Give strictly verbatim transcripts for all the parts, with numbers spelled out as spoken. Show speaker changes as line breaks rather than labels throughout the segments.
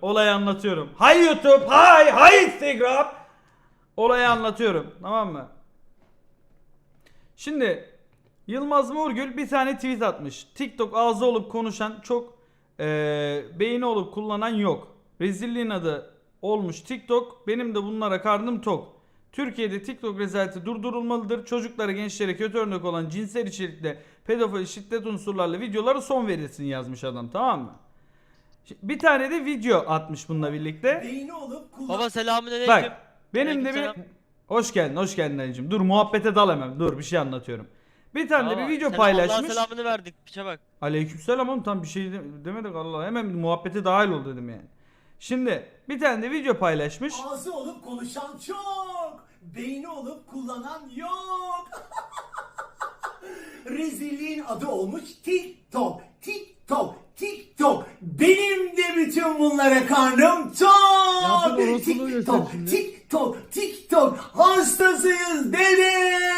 Olayı anlatıyorum. Hay YouTube, hay hay Instagram. Olayı anlatıyorum. Tamam mı? Şimdi Yılmaz Morgül bir tane tweet atmış. TikTok ağzı olup konuşan çok ee, beyni olup kullanan yok. Rezilliğin adı olmuş TikTok. Benim de bunlara karnım tok. Türkiye'de TikTok rezaleti durdurulmalıdır. Çocuklara, gençlere kötü örnek olan cinsel içerikli, pedofili, şiddet unsurlarla videolara son verilsin yazmış adam, tamam mı? Bir tane de video atmış bununla birlikte.
Baba selamünaleyküm.
Bak benim de bir... Hoş geldin, hoş geldin Ali'cim. Dur muhabbete dal hemen. Dur bir şey anlatıyorum. Bir tane de bir video paylaşmış.
Allah selamını verdik. Piçe bak.
Aleykümselam oğlum, tam bir şey demedik Allah. Hemen muhabbete dahil ol dedim yani. Şimdi bir tane de video paylaşmış.
Ağzı olup konuşan çok, beyni olup kullanan yok. Rezilliğin adı olmuş TikTok, TikTok, TikTok. Benim de bütün bunlara karnım tok. TikTok, TikTok, TikTok. Hastasıyız dede.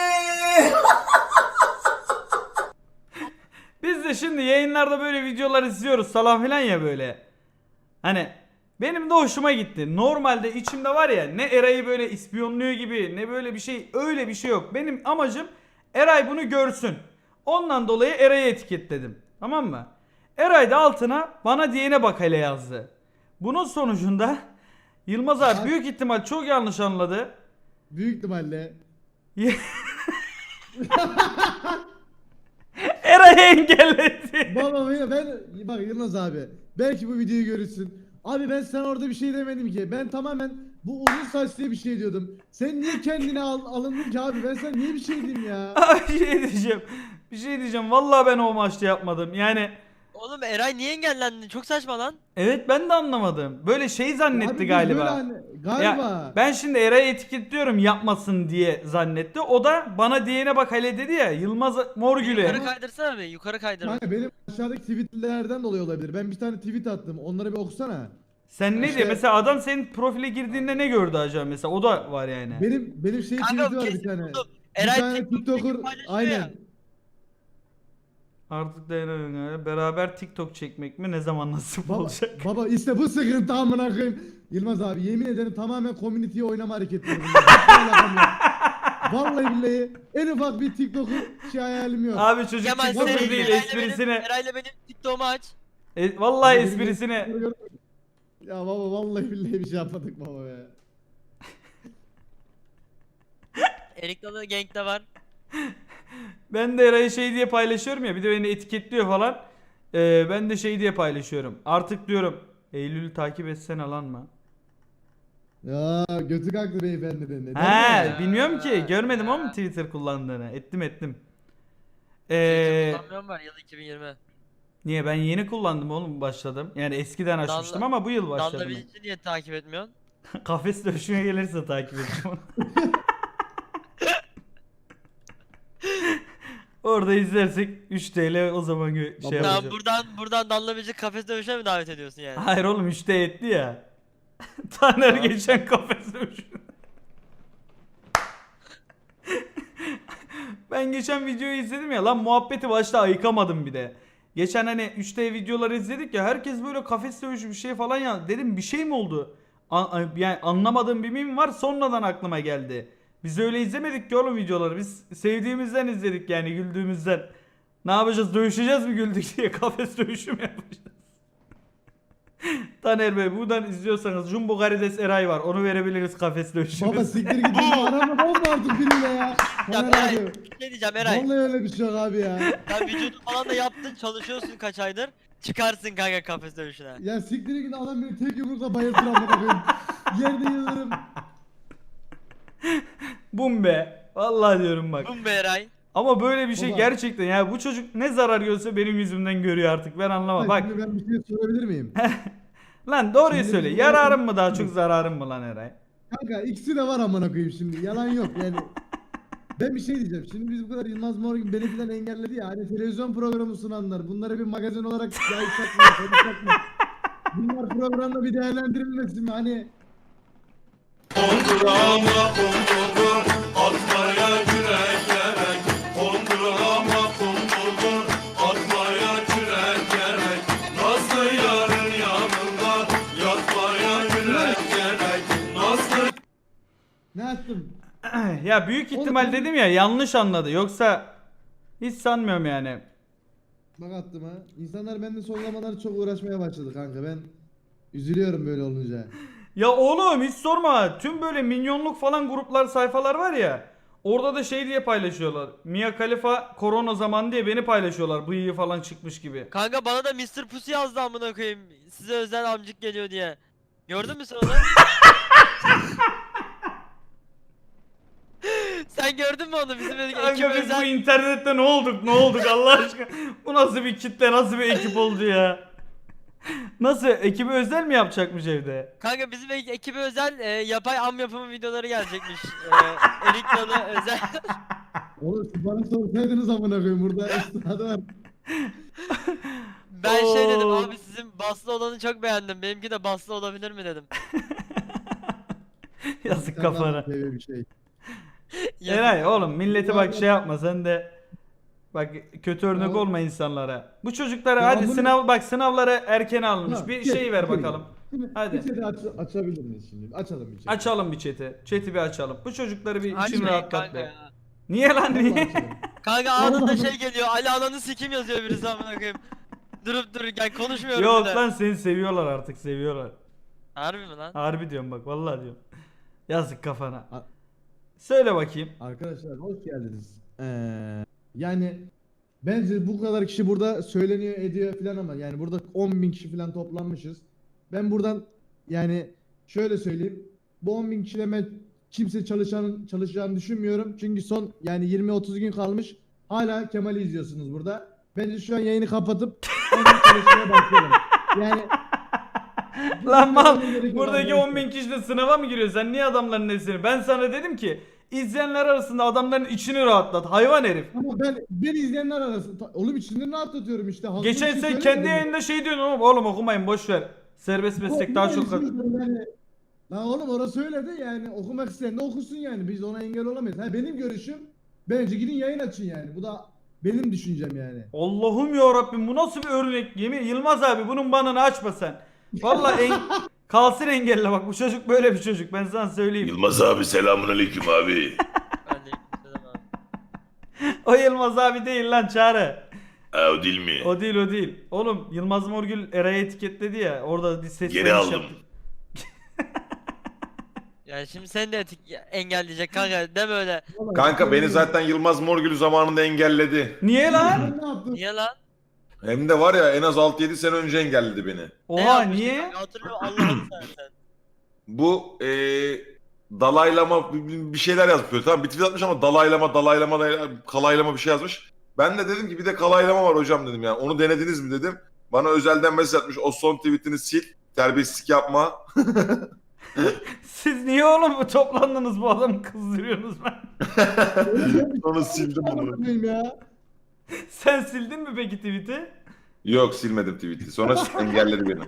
Biz de şimdi yayınlarda böyle videolar izliyoruz falan filan ya böyle. Hani benim de hoşuma gitti. Normalde içimde var ya, ne Eray'ı böyle ispiyonluyor gibi ne böyle bir şey, öyle bir şey yok. Benim amacım Eray bunu görsün. Ondan dolayı Eray'ı etiketledim. Tamam mı? Eray da altına bana diyene bak hele yazdı. Bunun sonucunda Yılmaz abi büyük ihtimal çok yanlış anladı.
Büyük ihtimalle.
Eray'ı engelledi.
Baba ben, ben bak Yılmaz abi, belki bu videoyu görürsün. Abi ben sana orada bir şey demedim ki. Ben tamamen bu uzun saçlı bir şey diyordum. Sen niye kendine al, alındın ki abi? Ben sana niye bir şey diyeyim ya?
Abi bir şey diyeceğim. Bir şey diyeceğim. Vallahi ben o maçta yapmadım. Yani
Oğlum Eray niye engellendin? Çok saçma lan.
evet, ben de anlamadım. Böyle şey zannetti
Abi biz
galiba.
böyle hani- galiba.
Ya, ben şimdi Eray'ı etiketliyorum yapmasın diye zannetti. O da bana diyene bak hele dedi ya, Yılmaz Morgül'e.
Yukarı kaydırsana bir. Yukarı kaydır.
Kanka benim aşağıdaki tweetlerden dolayı olabilir. Ben bir tane tweet attım. Onları bir okusana.
Sen ne
İşte-
diyor? Mesela adam senin profile girdiğinde ne gördü acaba mesela? O da var yani.
Benim benim şey
Kanka
tweeti var bir
kesin
tane.
buldum.
Bir
Eray
tane
TikTok'taki
TikToker
paylaşıyor
aynen.
ya.
Artık dayanamıyorum. Beraber TikTok çekmek mi ne zaman nasip
Baba,
olacak?
baba işte bu sıkıntı amına koyayım. Yılmaz abi yemin ederim tamamen community'ye oynama hareketleri bunlar. Hiçbir alakam yok. Vallahi billahi en ufak bir TikToker şey hayalim yok.
Abi çocuk
Kemal
TikToker
sen
değil,
Eray'la
esprisine.
benim, Eray'la benim TikTok'umu aç.
E, vallahi
Benim
esprisine.
TikToker'ı gör- Ya baba vallahi billahi bir şey yapmadık baba ya.
Erik Dalı Gank'te var.
Ben de Eray'ı şey diye paylaşıyorum ya, bir de beni etiketliyor falan. Ee, ben de şey diye paylaşıyorum. Artık diyorum Eylül'ü takip etsene lan mı?
Ya götü kalktı beyefendiden. Neden
He,
ya?
bilmiyorum ki.
Ya.
Görmedim ama Twitter kullandığını. Ettim ettim.
Ee...
Ee,
Kullanmıyorum var yıl iki bin yirmi.
niye ben yeni kullandım oğlum, başladım. Yani eskiden açmıştım
Danla-
ama bu yıl
Danla
başladım.
Bilic'i niye takip etmiyorsun?
Kafes dövüşüne gelirse takip edeceğim onu. Orada izlersek üç T L o zaman gö- şey
Baba.
Tamam
yapacağım.
buradan buradan Danla Bilic'i kafes dövüşüne mi davet ediyorsun yani?
Hayır oğlum, üç T etti ya. Taner
Tamam.
geçen kafes dövüşüne. Ben geçen videoyu izledim ya lan, muhabbeti başta ayıkamadım bir de. Geçen hani üç T videoları izledik ya, herkes böyle kafes dövüşü bir şey falan ya. Dedim bir şey mi oldu? An- yani anlamadığım bir meme var, sonradan aklıma geldi. Biz öyle izlemedik ki oğlum videoları. Biz sevdiğimizden izledik yani, güldüğümüzden. Ne yapacağız? Dövüşeceğiz mi güldük diye, kafes dövüşü mü yapacağız? Taner Bey buradan izliyorsanız Jumbo Karides Eray var. Onu verebiliriz kafes dövüşü.
Baba siktir git. Arama bomba artık biriyle ya.
Ya
Taner
Eray,
abi.
ne diyeceğim Eray?
Vallahi öyle bir şey yok abi ya.
Ya vücudu falan da yaptın, çalışıyorsun kaç aydır. Çıkarsın kanka kafes dövüşüne.
Ya siktir git, adam beni tek yumrukla bayıltır amına koyayım. Yerde yıllarım.
Bum be. Vallahi diyorum bak.
Bum be Eray.
Ama böyle bir şey
Baba.
gerçekten ya, bu çocuk ne zarar görse benim yüzümden görüyor artık, ben anlamam. Bak
Şimdi ben bir şey sorabilir miyim?
lan doğruyu
Şimdi
söyle,
bizim-
yararım mı daha çok zararım mı lan Eray?
Kanka ikisi de var amına koyayım şimdi. Yalan yok yani. Ben bir şey diyeceğim. Şimdi biz bu kadar Yılmaz Morgül beni falan engelledi ya. Hani televizyon programı sunanlar. Bunları bir magazin olarak yaysak mı? Konuşsak mı? Bunlar programda bir değerlendirilmesin mi? Hani
Kondurama kondurdur, atmaya yürek gerek. Kondurama kondurdur, atmaya yürek gerek. Nazlı yarın yanında yatma.
Ne attım?
Ya büyük ihtimal
Oğlum,
dedim ya yanlış anladı. Yoksa hiç sanmıyorum yani.
Bak attım ha. İnsanlar benden son zamanlarda çok uğraşmaya başladı kanka. Ben üzülüyorum böyle olunca.
Ya oğlum hiç sorma. Tüm böyle minyonluk falan gruplar sayfalar var ya. Orada da şey diye paylaşıyorlar. Mia Khalifa korona zamanı diye beni paylaşıyorlar. Bıyığı falan çıkmış gibi.
Kanka bana da mister Pussy yazdı amına koyayım. Size özel amcık geliyor diye. Gördün mü sen onu? Sen gördün mü onu? Bizim ekip
Kanka biz bu
özel.
internette ne olduk ne olduk Allah aşkına. Bu nasıl bir kitle nasıl bir ekip oldu ya. Nasıl ekibi özel mi yapacakmış evde?
Kanka bizim ek- ekibe özel e, yapay am yapımı videoları gelecekmiş. E, Erik Dalı özel.
Oğlum siz bana sorsaydınız amına koyayım burada üstadı var.
Ben şey dedim
Oo.
abi sizin baslı olanı çok beğendim. Benimki de baslı olabilir mi dedim.
Yazık
Sen
kafana.
de böyle bir şey.
Yazık.
Eray oğlum milleti
Bu
bak
arada-
şey yapma sen de. Bak kötü örnek
Oğlum-
olma insanlara. Bu çocuklara
Ya
hadi
bunu-
sınav bak sınavlara erken alınmış.
Ha,
Bir
şey,
şey ver
şey.
bakalım.
Şimdi
Hadi.
bir chat'i aç, açabilir miyiz şimdi? Açalım bir chat'i.
Açalım bir chat'i. Chat'i bir açalım. Bu çocukları bir için
Açmayın
rahatlat
kanka
be.
ya.
Niye lan
Vallahi
niye?
açalım.
Kanka anında şey geliyor. Ali ananı sikim yazıyor birisi amına koyayım. Durup dururken konuşmuyorum
Yok
bir de.
lan seni seviyorlar artık seviyorlar.
Harbi mi lan?
Harbi diyorum bak vallahi diyorum. Yazık kafana.
A-
Söyle bakayım.
Arkadaşlar hoş geldiniz. Ee, yani bence bu kadar kişi burada söyleniyor ediyor falan ama yani burada on bin kişi falan toplanmışız. Ben buradan yani şöyle söyleyeyim. Bu on bin kişide ben kimse çalışan, çalışacağını düşünmüyorum. Çünkü son yani yirmi otuz gün kalmış. Hala Kemal'i izliyorsunuz burada. Bence şu an yayını kapatıp hemen çalışmaya başlayalım. Yani
Lan mal
Gerek yok
buradaki
arkadaşlar.
on bin kişi de sınava mı giriyor? Sen niye adamların nesini? Ben sana dedim ki izleyenler arasında adamların içini rahatlat. Hayvan herif.
Ama ben ben izleyenler arasında oğlum içinden rahatlatıyorum işte. Haklı bir
Geçen
şey
sen kendi
söylemedim.
yayında şey diyordun oğlum, oğlum okumayın boş ver. Serbest meslek daha çok...
Yani, lan oğlum orası öyle de yani okumak isteyen de okusun yani biz ona engel olamayız. Ha benim görüşüm bence gidin yayın açın yani. Bu da benim düşüncem yani.
Allah'ım ya Rabbim bu nasıl bir örnek? Yemin Yılmaz abi bunun banını açma sen. Vallahi en... kalsın engelle bak bu çocuk böyle bir çocuk ben sana söyleyeyim.
Yılmaz abi selamun aleyküm abi.
Aleykümselam abi.
O Yılmaz abi değil lan Çağrı.
Ha, o değil mi?
O değil o değil. Oğlum Yılmaz Morgül Eray'ı etiketledi ya orada bir ses
Geri
söyleşi
aldım.
yaptık.
Yani şimdi seni de etik engelleyecek kanka deme öyle.
Vallahi
Kanka beni
ben-
zaten Yılmaz Morgül zamanında engelledi.
Niye lan?
Ben ne yaptım?
Niye lan?
Hem de var ya en az altı yedi sene önce engelledi beni.
Ne
Oha
yapmıştın
niye?
kanka? Hatırlıyorum Allah'ını seversen.
Bu eee dalaylama bir bir şeyler yazmış. Tamam bir tweet atmış ama dalaylama dalaylama dalaylama, kalaylama bir şey yazmış. Ben de dedim ki bir de kalaylama var hocam dedim yani. Onu denediniz mi dedim. Bana özelden mesaj atmış. O son tweetini sil. Terbiyesizlik yapma.
Siz niye oğlum bu toplandınız bu adamı kızdırıyorsunuz ben?
Onu sildim bunu.
Anlatmayayım ya.
Sen sildin mi peki tweet'i?
Yok silmedim tweet'i. Sonra engelledi beni.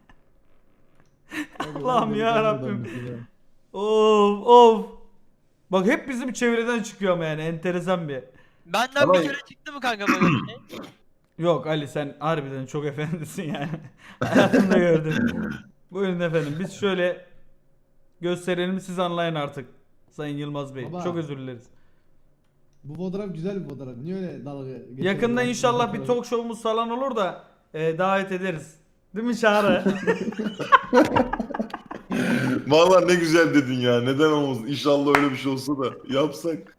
Allah'ım ya Rabbim. Of of. Bak hep bizim çevreden çıkıyor ama yani enteresan bir.
Benden
Ama-
bir kere çıktı mı kanka böyle bir şey?
Yok Ali sen harbiden çok efendisin yani. Hayatımda gördüm. Buyurun efendim biz şöyle gösterelim siz anlayın artık. Sayın Yılmaz Bey.
Baba.
Çok özür dileriz.
Bu fotoğraf güzel bir fotoğraf. Niye öyle dalga geçiyorsun?
Yakında
Ben-
inşallah bir
fotoğraf-
talk show'umuz falan olur da e, davet ederiz. Değil mi Çağrı?
Vallahi ne güzel dedin ya. Neden olmasın? İnşallah öyle bir şey olsa da yapsak.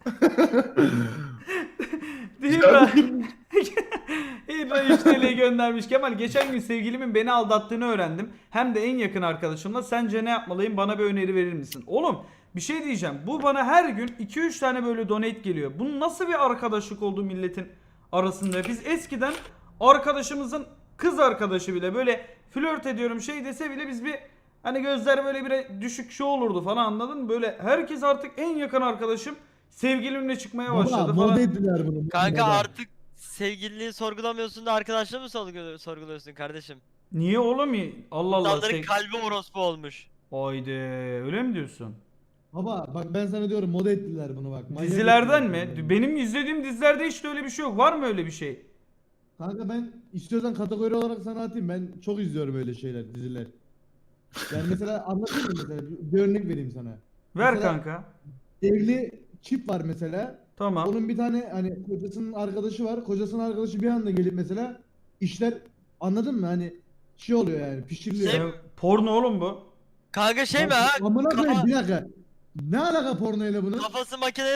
Değil mi? İbra üç T L'yi göndermiş. Kemal geçen gün sevgilimin beni aldattığını öğrendim. Hem de en yakın arkadaşımla. Sence ne yapmalıyım? Bana bir öneri verir misin? Oğlum bir şey diyeceğim. Bu bana her gün iki üç tane böyle donate geliyor. Bunun nasıl bir arkadaşlık oldu milletin arasında? Biz eskiden arkadaşımızın kız arkadaşı bile böyle flört ediyorum şey dese bile biz bir hani gözler böyle bir düşük şey olurdu falan anladın mı? Böyle herkes artık en yakın arkadaşım sevgilimle çıkmaya başladı
Baba, moda
falan.
ettiler bunu.
Kanka
moda.
artık sevgililiği sorgulamıyorsun da arkadaşlığı mı sorgulu- sorguluyorsun kardeşim?
Niye oğlum ya? Allah Allah.
İnsanların
Şey...
kalbi orospu olmuş.
Haydi öyle mi diyorsun?
Baba bak ben sana diyorum moda ettiler bunu bak. Manyak
Dizilerden
ettiler
mi?
bunu.
Benim izlediğim dizilerde hiç de öyle bir şey yok. Var mı öyle bir şey?
Kanka ben istiyorsan kategori olarak sana atayım. Ben çok izliyorum öyle şeyler, diziler. Yani mesela anlatayım mı mesela? Bir örnek vereyim sana.
Ver
Mesela-
kanka.
Evli çift var mesela.
Tamam.
Onun bir tane hani kocasının arkadaşı var. Kocasının arkadaşı bir anda gelip mesela işler, anladın mı? Hani şey oluyor yani, pişiriliyor.
Şey-
E, porno oğlum bu.
Kanka şey mi ha?
Amına koyayım
Kafa-
bir dakika. Ne alaka pornoyla bunun?
Kafası makine